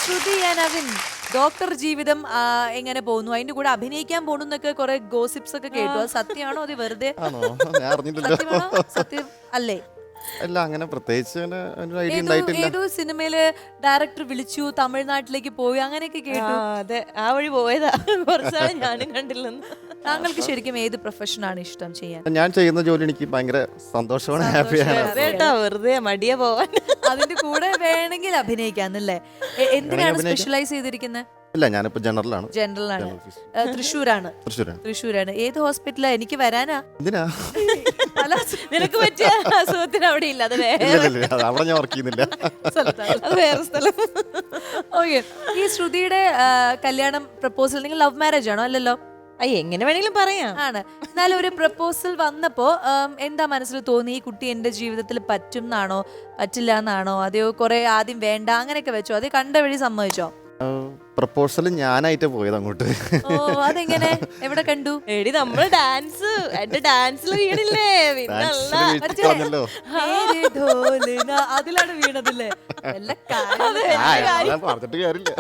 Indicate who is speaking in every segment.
Speaker 1: ശ്രുതി Naveen doctor ജീവിതം എങ്ങനെ പോകുന്നു? അതിന്റെ കൂടെ അഭിനയിക്കാൻ പോണു എന്നൊക്കെ കുറെ ഗോസിപ്സ് ഒക്കെ കേട്ടു. അത് സത്യമാണോ അത് വെറുതെ
Speaker 2: ഞാൻ അറിഞ്ഞിട്ടില്ല.
Speaker 1: സത്യമാണോ? സത്യം അല്ലേ?
Speaker 2: അല്ല, അങ്ങനെ പ്രത്യേകിച്ച് അങ്ങനെ ഒരു ഐഡിയ ഉണ്ടായിട്ടില്ല.
Speaker 1: ഏതോ സിനിമയില് ഡയറക്ടർ വിളിച്ചു, തമിഴ്നാട്ടിലേക്ക് പോയി, അങ്ങനെയൊക്കെ കേട്ടു.
Speaker 3: അതെ, ആ വഴി പോയതാ. കുറച്ചാണ് ഞാനും കണ്ടില്ലെന്ന്.
Speaker 1: താങ്കൾക്ക് ശരിക്കും ഏത് പ്രൊഫഷനാണ് ഇഷ്ടം ചെയ്യാൻ?
Speaker 2: ഞാൻ ചെയ്യുന്ന ജോലി എനിക്ക് ഭയങ്കര സന്തോഷമാണ്, ഹാപ്പിയാണ്.
Speaker 3: കേട്ടോ, വെറുതെ മടിയ പോവാൻ.
Speaker 1: അതിന്റെ കൂടെ വേണമെങ്കിൽ അഭിനയിക്കാന്നല്ലേ? എന്തിനാണ് സ്പെഷ്യലൈസ് ചെയ്തിരിക്കുന്നത്?
Speaker 2: ഇല്ല, ഞാനിപ്പോ ജനറലാണ്.
Speaker 1: ജനറൽ ആണ്. തൃശ്ശൂരാണ്. തൃശ്ശൂരാണ്. ഏത് ഹോസ്പിറ്റലാ? എനിക്ക് വരാനാ.
Speaker 2: എന്തിനാ?
Speaker 3: നിനക്ക് പറ്റിയ അസുഖത്തിന് അവിടെ ഇല്ല. അത്
Speaker 2: അവിടെ ഞാൻ വർക്ക് ചെയ്യുന്നില്ല.
Speaker 3: അത് വേറെ സ്ഥലം.
Speaker 1: ഓക്കെ. ഈ ശ്രുതിയുടെ കല്യാണം പ്രപ്പോസൽ നിങ്ങൾ ലവ് മാരേജ് ആണോ? അല്ലല്ലോ.
Speaker 3: എങ്ങനെ വേണമെങ്കിലും പറയാം.
Speaker 1: ആണ്. എന്നാലും ഒരു പ്രപ്പോസൽ വന്നപ്പോ എന്താ മനസ്സിൽ തോന്നി? ഈ കുട്ടി എന്റെ ജീവിതത്തിൽ പറ്റും എന്നാണോ പറ്റില്ല എന്നാണോ? അതെയോ കുറെ ആദ്യം വേണ്ട അങ്ങനെയൊക്കെ വെച്ചോ? അതേ കണ്ട വഴി സമ്മതിച്ചോ?
Speaker 2: പ്രപ്പോസൽ ഞാനായിട്ട് പോയത് അങ്ങോട്ട്.
Speaker 1: ഓ, അതെങ്ങനെ? എവിടെ കണ്ടു?
Speaker 3: എടി നമ്മള് ഡാൻസ്, എന്റെ ഡാൻസിൽ വീണില്ലേ?
Speaker 1: അതിലാണ് വീണതല്ലേ?
Speaker 2: പറഞ്ഞിട്ട് കാര്യമില്ല.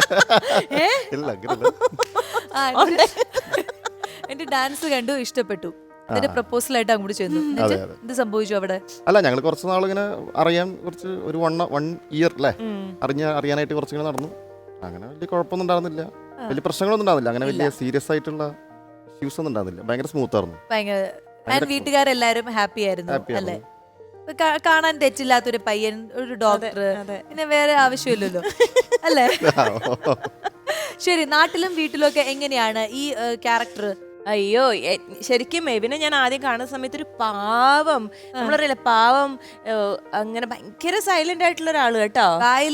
Speaker 1: എന്റെ ഡാൻസ് കണ്ടു, ഇഷ്ടപ്പെട്ടു. എന്നിട്ട് പ്രപ്പോസൽ ആയിട്ട് അങ്ങോട്ട് ചെന്നു. എന്ത് സംഭവിച്ചു അവിടെ?
Speaker 2: അല്ല, ഞങ്ങൾ കുറച്ച് നാളിങ്ങനെ അറിയാൻ കുറച്ച് ഒരു 1 ഇയർ അല്ലേ അറിയാനായിട്ട് കുറച്ചിങ്ങനെ നടന്നു. അങ്ങനെ വലിയ കുഴപ്പമൊന്നും ഉണ്ടായിരുന്നില്ല, വലിയ പ്രശ്നങ്ങളൊന്നും ഉണ്ടായിരുന്നില്ല. അങ്ങനെ വലിയ സീരിയസ് ആയിട്ടുള്ള ഇഷ്യൂസ് ഒന്നും ഉണ്ടായിരുന്നില്ല. ഭയങ്കര സ്മൂത്ത് ആയിരുന്നു.
Speaker 1: വീട്ടുകാരെല്ലാരും ഹാപ്പി ആയിരുന്നു അല്ലേ? കാണാൻ തെറ്റില്ലാത്തൊരു പയ്യൻ, ഒരു ഡോക്ടർ, പിന്നെ വേറെ ആവശ്യമില്ലല്ലോ അല്ലേ? ശരി, നാട്ടിലും വീട്ടിലും ഒക്കെ എങ്ങനെയാണ് ഈ ക്യാരക്ടർ?
Speaker 3: അയ്യോ, ശരിക്കും മെവിനെ ഞാൻ ആദ്യം കാണുന്ന സമയത്ത് ഒരു പാവം, നമ്മളറിയില്ല, പാവം, അങ്ങനെ ഭയങ്കര സൈലന്റ് ആയിട്ടുള്ള ഒരാള് കേട്ടോ.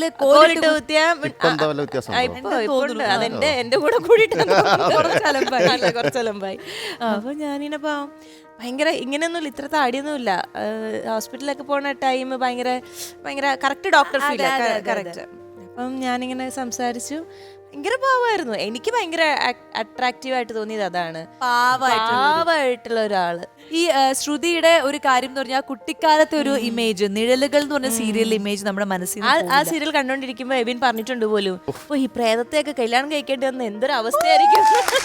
Speaker 3: അതെന്റെ എന്റെ കൂടെ കൂടിയിട്ട് കുറച്ചലമ്പായി. അപ്പൊ ഞാനിങ്ങനെ പാവം, ഭയങ്കര ഇങ്ങനെയൊന്നുമില്ല, ഇത്ര താടിയൊന്നുമില്ല. ഹോസ്പിറ്റലിലൊക്കെ പോണ ടൈം ഭയങ്കര ഭയങ്കര കറക്റ്റ് ഡോക്ടർ ഫീൽ, കറക്റ്റ്. അപ്പം ഞാനിങ്ങനെ സംസാരിച്ചു, ഭയങ്കര പാവമായിരുന്നു. എനിക്ക് ഭയങ്കര അട്രാക്റ്റീവ് ആയിട്ട് തോന്നിയത് അതാണ്, പാവമായിട്ടുള്ള ഒരാള്.
Speaker 1: ഈ ശ്രുതിയുടെ ഒരു കാര്യം എന്ന് പറഞ്ഞാൽ കുട്ടിക്കാലത്തെ ഒരു ഇമേജ്, നിഴലുകൾ എന്ന് പറഞ്ഞ സീരിയൽ ഇമേജ് നമ്മുടെ മനസ്സിൽ.
Speaker 3: ആ സീരിയൽ കണ്ടോണ്ടിരിക്കുമ്പോ എബിൻ പറഞ്ഞിട്ടുണ്ട് പോലും, ഈ പ്രേതത്തെയൊക്കെ കല്യാണം കഴിക്കേണ്ടി വന്ന എന്തൊരു അവസ്ഥയായിരിക്കും.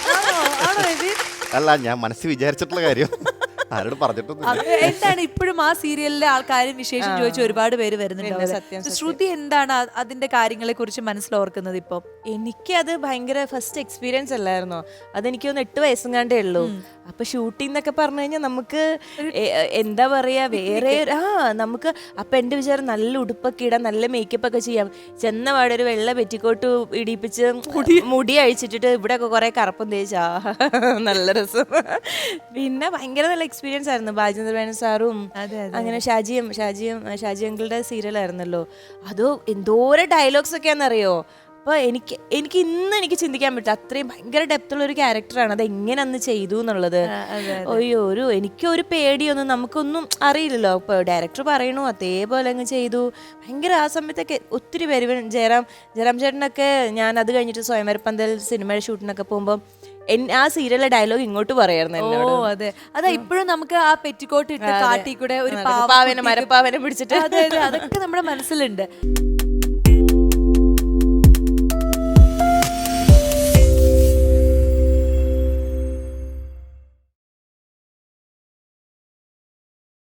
Speaker 2: അല്ല, ഞാൻ മനസ്സിൽ വിചാരിച്ചിട്ടുള്ള കാര്യം ആരോട് പറഞ്ഞിട്ടൊന്നും.
Speaker 1: എന്താണ് ഇപ്പോഴും ആ സീരിയലിലെ ആൾക്കാരും വിശേഷം ചോദിച്ച ഒരുപാട് പേര് വരുന്നുണ്ട്. ശ്രുതി എന്താണ് അതിന്റെ കാര്യങ്ങളെ കുറിച്ച് മനസ്സിലോർക്കുന്നത് ഇപ്പൊ?
Speaker 3: എനിക്കത് ഭയങ്കര ഫസ്റ്റ് എക്സ്പീരിയൻസ് അല്ലായിരുന്നോ? അതെനിക്കൊന്ന് 8 വയസ്സും കണ്ടേ ഉള്ളൂ. അപ്പൊ ഷൂട്ടിംഗ് എന്നൊക്കെ പറഞ്ഞു കഴിഞ്ഞാൽ നമുക്ക് എന്താ പറയാ, വേറെ നമുക്ക് അപ്പൊ എന്റെ വിചാരം നല്ല ഉടുപ്പൊക്കെ ഇടാം, നല്ല മേക്കപ്പ് ഒക്കെ ചെയ്യാം. ചെന്ന പാടെ ഒരു വെള്ള പെറ്റിക്കോട്ട് ഇടിപ്പിച്ച് മുടി അഴിച്ചിട്ടിട്ട് ഇവിടെ ഒക്കെ കുറെ കറുപ്പം തേച്ചാ നല്ല രസം. പിന്നെ ഭയങ്കര നല്ല എക്സ്പീരിയൻസ് ആയിരുന്നു. ബാജേന്ദ്ര മേനോൻ സാറും അങ്ങനെ ഷാജി അങ്കിളുടെ സീരിയൽ ആയിരുന്നല്ലോ. അതോ എന്തോരം ഡയലോഗ്സ് ഒക്കെയാണെന്നറിയോ? അപ്പോൾ എനിക്ക് ഇന്ന് എനിക്ക് ചിന്തിക്കാൻ പറ്റും, അത്രയും ഭയങ്കര ഡെപ്തുള്ള ഒരു ക്യാരക്ടറാണ്. അത് എങ്ങനെ അന്ന് ചെയ്തു എന്നുള്ളത്. അയ്യോ, എനിക്കൊരു പേടിയൊന്നും, നമുക്കൊന്നും അറിയില്ലല്ലോ. ഇപ്പോൾ ഡയറക്ടർ പറയണു അതേപോലെ അങ്ങ് ചെയ്തു. ഭയങ്കര ആ സമയത്തൊക്കെ ഒത്തിരി പേര്, ജയറാം ചേട്ടനൊക്കെ, ഞാൻ അത് കഴിഞ്ഞിട്ട് സ്വയംവരപ്പന്തൽ സിനിമയുടെ ഷൂട്ടിനൊക്കെ പോകുമ്പോൾ ആ സീരിയലിലെ ഡയലോഗ് ഇങ്ങോട്ട് പറയായിരുന്നു.
Speaker 1: അതെ, അതാ ഇപ്പോഴും നമുക്ക് ആ പെറ്റിക്കോട്ട് ഇട്ട് കാട്ടി കൂടെ ഒരു
Speaker 3: മരപ്പാവനെ പിടിച്ചിട്ട്
Speaker 1: അതൊക്കെ നമ്മുടെ മനസ്സിലുണ്ട്.